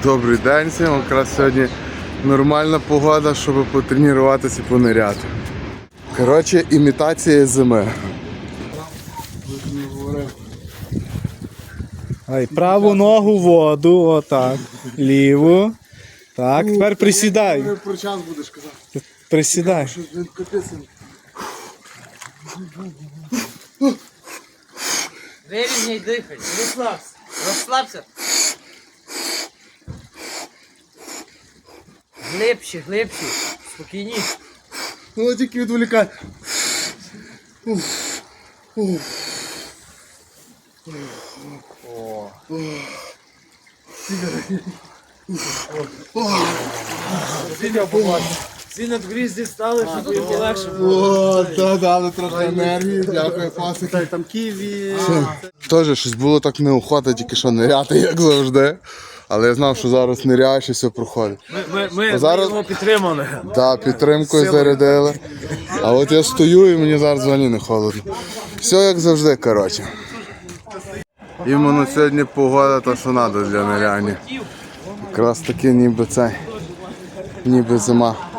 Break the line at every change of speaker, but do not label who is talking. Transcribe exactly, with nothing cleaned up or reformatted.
Добрий день всім, якраз сьогодні нормальна погода, щоб потренуватися і пониряти. Коротше, імітація зими.
Ай, праву ногу в воду, отак. Ліву. Так, тепер присідай.
Про час будеш казати.
Присідай.
Вирівняй дихай, розслабся, розслабся. Глибше, глибше, спокійніше.
Ну тільки відволікай.
Всі надгрізді стали, щоб їм легше було.
О, та дали трохи енергії, дякую, пасики.
Там ківі.
Теж щось було так неохота, тільки що ниряти, як завжди. Але я знав, що зараз ниряєш і все проходить.
Ми, ми,
зараз-
ми його підтримали.
Так, підтримкою зарядили. А от я стою і мені зараз взагалі не холодно. Все як завжди, коротше. Іменно сьогодні погода та що треба для ниряння. Якраз таки ніби це, ніби зима.